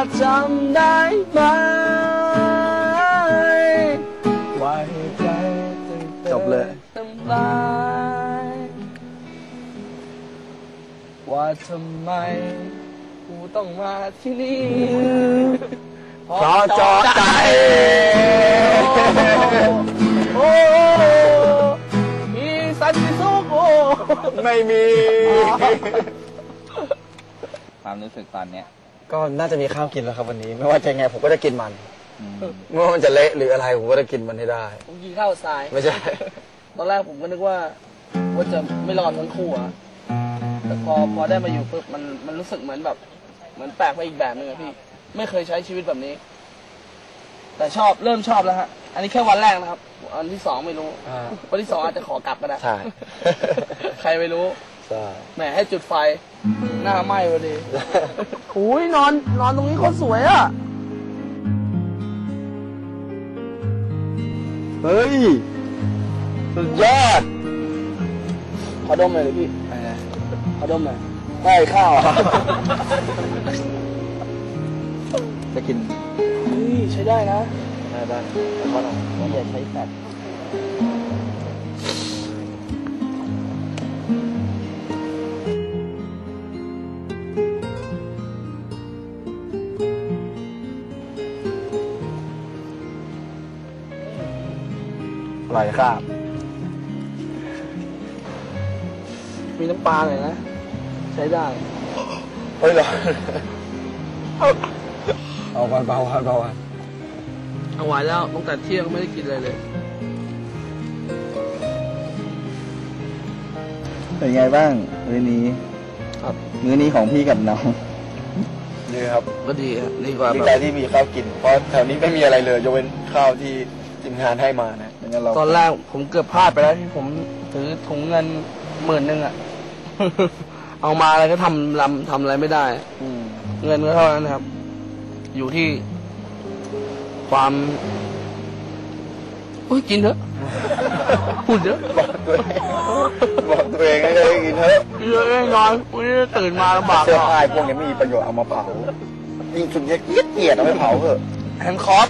จำได้ไหมว่าเหตุใดจบเลยทำร้ายว่าทำไมกูต้องมาที่นี่เพราะจอใจโอ้มีสันติสุขโอ้ไม่มีความรู้สึกตอนเนี้ยก็น่าจะมีข้าวกินแล้วครับวันนี้ไม่ว่าจะไงผมก็จะกินมันไม่ว่ามันจะเละหรืออะไรผมก็จะกินมันให้ได้ผมกินข้าวทรายไม่ใช่ตอนแรกผมก็นึกว่าจะไม่รอดทั้งคู่อะแต่พอได้มาอยู่ปุ๊บมันรู้สึกเหมือนแบบเหมือนแปลกไปอีกแบบนึงอะพี่ไม่เคยใช้ชีวิตแบบนี้แต่เริ่มชอบแล้วฮะอันนี้แค่วันแรกนะครับอันที่สองไม่รู้วันที่สองอาจจะขอกลับก็ได้ใช่ใครไม่รู้ใช่แหมให้จุดไฟหน้าไหม้พอดีอุ้ยนอนตรงนี้โคตรสวยอะเฮ้ยสุดยอดขอดมหน่อยเลยพี่ขอดมหน่อยได้ข้าวจะกินใช้ได้นะได้ขอลองอย่าใช้แฟตอร่อยครับมีน้ำปลาหน่อยนะใช้ได้เฮ้ยเหรอเอาวันเบาวันเอาไว้แล้วตั้งแต่เที่ยงไม่ได้กินอะไรเลยเป็นไงบ้างมื้อนี้ครับมื้อนี้ของพี่กับน้องดีครับก็ดีครับดีกว่าดีใจที่มีข้าวกินเพราะแถวนี้ไม่มีอะไรเลยยกเว้นข้าวที่ทีมงานให้มานะตอนแรกผมเกือบพลาดไปแล้วที่ผมถือถุงเงิน10,000อะเอามาอะไรก็ทำอะไรไม่ได้เงินก็เท่านั้นครับอยู่ที่ความกินเถอะพูดเยอะบอกตัวเองให้ได้กินเถอะเยอะนอนวันนี้ตื่นมาลำบากเสื้อผ้าพวกนี้ไม่มีประโยชน์เอามาเผายิ่งชุดเกียดเอาไปเผาเถอะแฮนด์คอร์ส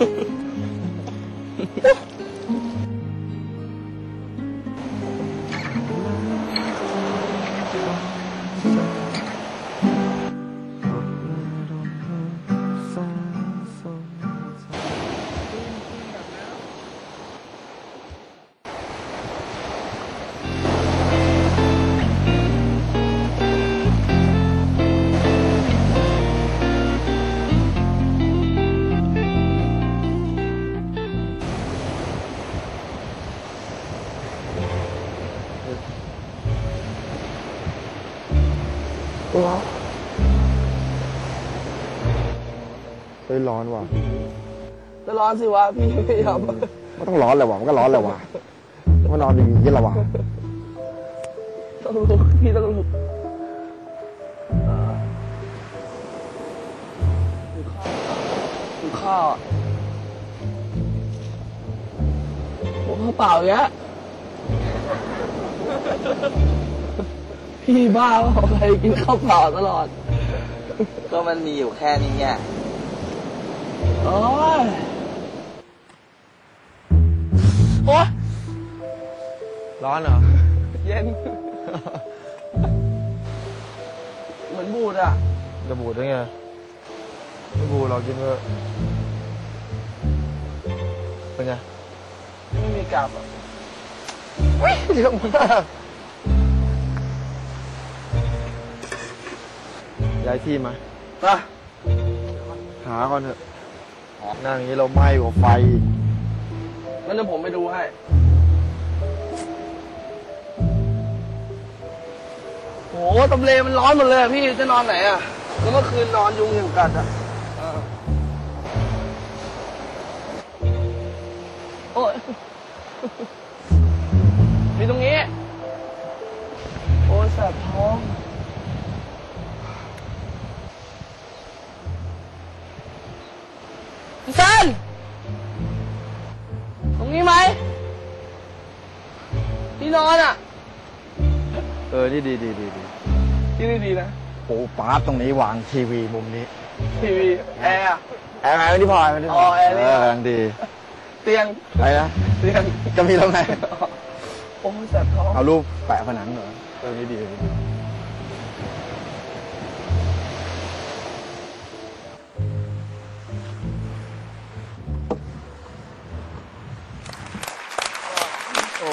ร้อนว่ะก็ร้อนสิวะพี่ไม่ยอมมันต้องร้อนเลยว่ะมันก็ร้อนเลยว่ะมันนอนอย่างนี้ละว่ะต้องลุกพี่ต้องลุกดูข้าวผมข้าวเปล่าเยอะพี่บ้าว่าใครกินข้าวเปล่าตลอดก็มันมีอยู่แค่นี้ไงโอ้ยร้อนเหรอเย็นเหมือนบูดอ่ะจะบูดได้ไงไม่บูดเรากินก็เป็นไงไม่มีกลับอ่ะเยอะมากย้ายที่มาหาก่อนเถอะนั่งอย่างนี้เราไหม้กว่าไฟงั้นเดี๋ยวผมไปดูให้โหตำเลมันร้อนหมดเลยพี่จะนอนไหนอ่ะแล้วเมื่อคืนนอนยุงอย่างกัดอ่ะโอ้ยมีตรงนี้โอ้ยแสบท้องพี่ซันตรงนี้ไหมที่นอนอ่ะนี่ดีที่นี่ดีนะโอ้ป๊าตรงนี้วางทีวีมุมนี้ทีวีแอร์แอร์ไม่ได้พอไม่ได้พอ๋อแอร์นี่กำลังดีเตียงอะไรนะเตียงจะมีแล้วไงโอ้ยแสบท้องเอารูปแปะผนังเหรอไม่ดีไม่ดีโอ้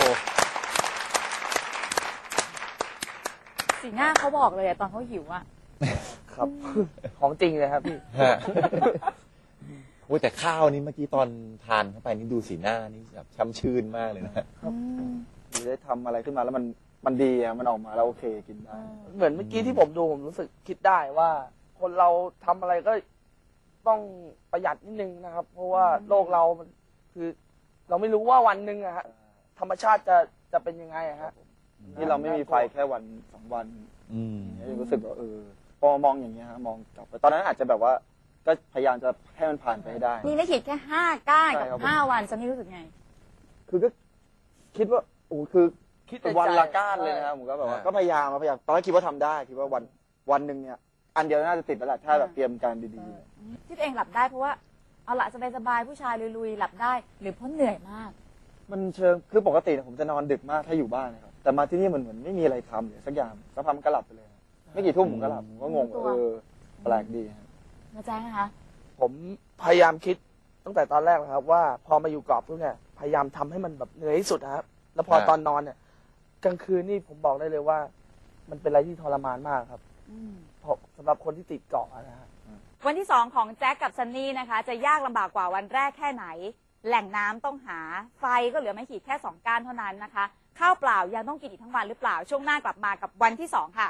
สีหน้าเขาบอกเลยอะตอนเขาหิวอะครับ ของจริงเลยครับพี่ฮะโอ้ยแต่ข้าวนี้เมื่อกี้ตอนทานเข้าไปนี่ดูสีหน้านี่แบบช่ำชื่นมากเลยนะได้ทำอะไรขึ้นมาแล้วมันดีอ่ะมันออกมาแล้วโอเคกินได้เหมือนเมื่อกี้ที่ผมดูผมรู้สึกคิดได้ว่า คนเราทำอะไรก็ต้องประหยัดนิดนึงนะครับ เพราะว่าโลกเรามันคือ เราไม่รู้ว่าวันหนึ่งอะฮะธรรมชาติจะเป็นยังไงอะฮะนี่เราไม่มีไฟแค่วัน2 วันอืมยังรู้สึกว่าพอมองอย่างเงี้ยฮะมองกลับไปตอนนั้นอาจจะแบบว่าก็พยายามจะให้มันผ่านไปให้ได้มีไม่ขีดแค่5 ก้านใช่กับครับผม 5 วันซันนี่รู้สึกไงคือก็คิดว่าโอ้คือคิดในใจวันละก้านเลยนะครับผมก็แบบว่าก็พยายามตอนแรกคิดว่าทำได้คิดว่าวันหนึ่งเนี่ยอันเดียวน่าจะติดแล้วแหละถ้าแบบเตรียมการดีที่ตัวเองหลับได้เพราะว่าเอาละสบายๆผู้ชายลุยๆหลับได้หรือเพราะเหนื่อยมากๆมันเชิงคือปกติเนี่ยผมจะนอนดึกมากถ้าอยู่บ้านนะครับแต่มาที่นี่มันเหมือนไม่มีอะไรทำเลยสักอย่างสักพักมันก็หลับไปเลยครับไม่กี่ทุ่มผมก็หลับผมก็งงแปลกดีครับนะแจ้งนะคะผมพยายามคิดตั้งแต่ตอนแรกนะครับ ว่าพอมาอยู่เกาะปุ๊บเนี่ยพยายามทำให้มันแบบเหนื่อยที่สุดนะครับแล้วพอครับตอนนอนเนี่ยกลางคืนนี่ผมบอกได้เลยว่า มันเป็นอะไรที่ทรมานมากครับเพราะสำหรับคนที่ติดเกาะนะฮะวันที่ 2 ของแจ็คกับซันนี่นะคะ จะยากลำบากกว่าวันแรกแค่ไหน แหล่งน้ำต้องหาไฟก็เหลือไม่ขีดแค่ 2 ก้านเท่านั้นนะคะ ข้าวเปล่ายังต้องกินอีกทั้งวันหรือเปล่าช่วงหน้ากลับมากับวันที่ 2 ค่ะ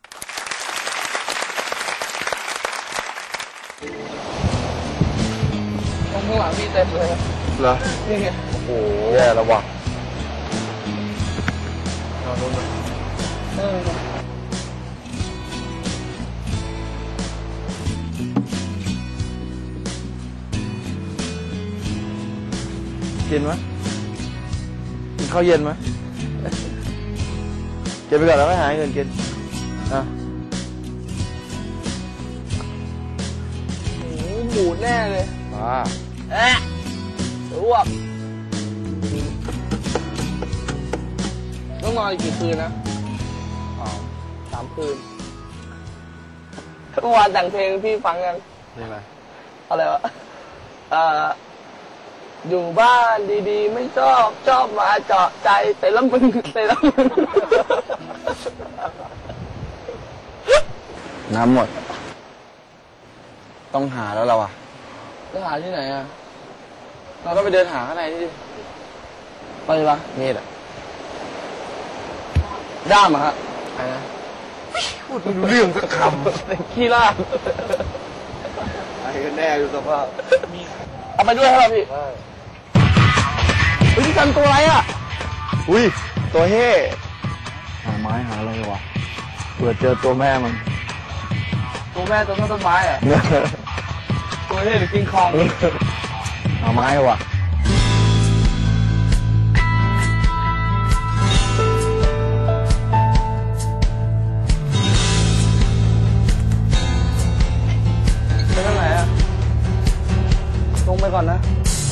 ข้างหลังพี่เต็มเลยครับเหรอนี่ไงโอ้แย่แล้วว่ะเออกินไหมกินข้าวเย็นไหมกินไปก่อนแล้วไม่หาเงินกินอ่ะโอ้โหหมูแน่เลยบ้าแอะอ้วกต้องนอนอีกกี่คืนนะ3 คืนเมื่อวานแต่งเพลงพี่ฟังยังนี่อะไรอะไรวะอยู่บ้านดีๆ ไม่ชอบมาเจาะใจแต่ละมึงน้ำหมด ต้องหาแล้วเราอ่ะจะหาที่ไหนอ่ะเราก็ไปเดินหาข้างในนี่ดิไปปะมีดอ่ะด้ามอะฮะอะไรนะพูดไม่รู้เรื่องสักคำขี้ล่าไอ้ก็แน่ดูสภาพเอาไปด้วยครับพี่เฮ้ยพี่กันตัวอะไรอ่ะอุ้ยตัวเฮ่หาไม้หาอะไรวะเผื่อเจอตัวแม่มันตัวแม่ตัวต้นไม้อ่ะ ตัวนี้หรือกิงคองหาไม้วะไปทางไหนอ่ะลงไปก่อนนะ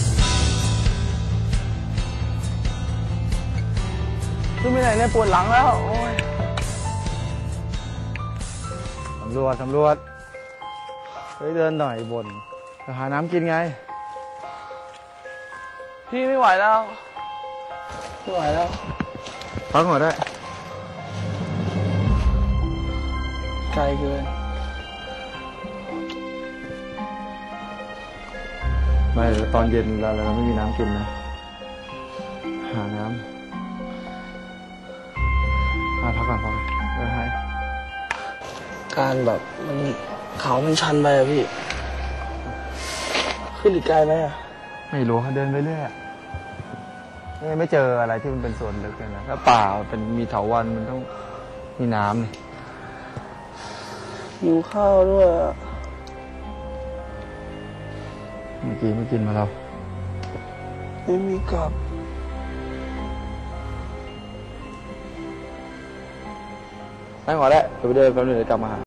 ขึ้นไปไหนเนี่ยปวดหลังแล้ว โอ้ยสำรวจเฮ้ยเดินหน่อยบนจะหาน้ำกินไงพี่ไม่ไหวแล้ว ไม่ไหวแล้วพักก่อนได้ไกลเกินไม่ตอนเย็นเราไม่มีน้ำกินนะ หาน้ำพักก่อนพอไปให้การแบบมันเขามันชันไปอะพี่ ขึ้นอีกไกลไหมอะไม่รู้เขาเดินไปเรื่อยไม่เจออะไรที่มันเป็นส่วนลึกเลยนะถ้าป่าเป็นมีเถาวัลย์มันต้องมีน้ำนี่หิวข้าวด้วยอะเมื่อกี้ไม่กินมาเราไม่มีกลับไม่ขอแล้วเดี๋ยวไปเดินแป๊บนึงเดี๋ยวกลับมาหา